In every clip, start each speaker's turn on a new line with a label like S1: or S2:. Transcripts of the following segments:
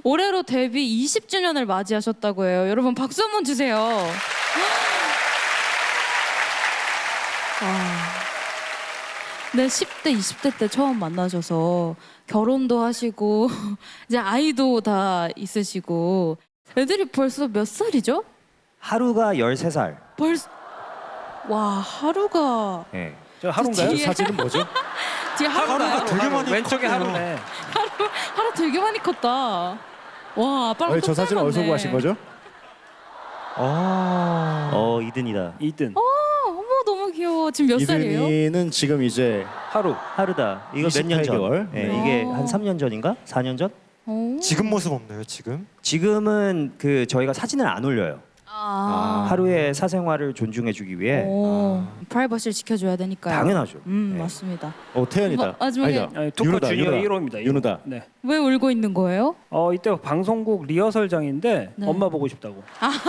S1: 올해로 데뷔 20주년을 맞이하셨다고 해요. 여러분 박수 한번 주세요. 네, 10대, 20대 때 처음 만나셔서 결혼도 하시고 이제 아이도 다 있으시고 애들이 벌써 몇 살이죠?
S2: 하루가 13살.
S1: 와, 하루가
S2: 네.
S3: 저 하루인가요?
S1: 뒤에-
S4: 사진은 뭐죠?
S1: 뒤에 하루가요?
S4: 되게 많이
S3: 왼쪽에
S4: 컸네요.
S3: 하루네.
S1: 하루 되게 많이 컸다. 와, 아빠랑
S4: 저 사진은 어디서
S1: 닮았네.
S4: 구하신 거죠?
S2: 이든이다.
S3: 이든
S1: 어머, 너무 귀여워. 지금 몇 살이에요?
S4: 이든이는 지금 이제
S3: 하루.
S2: 하루다. 이거 몇 년 전?
S4: 28개월.
S2: 네,
S1: 네.
S2: 이게 한 3년 전인가? 4년 전?
S5: 지금 모습 없나요 지금?
S2: 지금은 그 저희가 사진을 안 올려요. 하루의 사생활을 존중해주기 위해.
S1: 프라이버시를 지켜줘야 되니까요.
S2: 당연하죠. 네.
S1: 맞습니다.
S4: 태연이다.
S1: 마지막에
S4: 아니다.
S3: 아니, 토커
S4: 윤호다,
S3: 주니어
S4: 윤호다.
S3: 1호입니다.
S4: 윤호다.
S3: 네.
S1: 왜 울고 있는 거예요?
S3: 이때 방송국 리허설장인데
S1: 네.
S3: 엄마 보고 싶다고.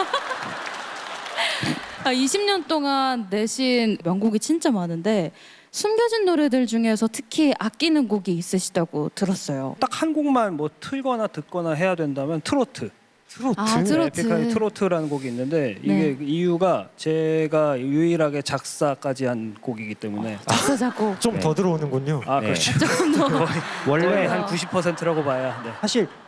S1: 20년 동안 내신 명곡이 진짜 많은데 숨겨진 노래들 중에서 특히 아끼는 곡이 있으시다고 들었어요.
S3: 딱 한 곡만 뭐 틀거나 듣거나 해야 된다면 트로트.
S5: 트로트?
S1: 트로트.
S3: 에픽하이 트로트라는 곡이 있는데 이게
S1: 네.
S3: 이유가 제가 유일하게 작사까지 한 곡이기 때문에
S1: 작사 작곡.
S5: 좀 더 들어오는군요.
S3: 아
S2: 네.
S3: 그렇죠.
S1: 조금 더.
S3: 원래
S1: 더.
S3: 한 90%라고 봐야. 네.
S2: 사실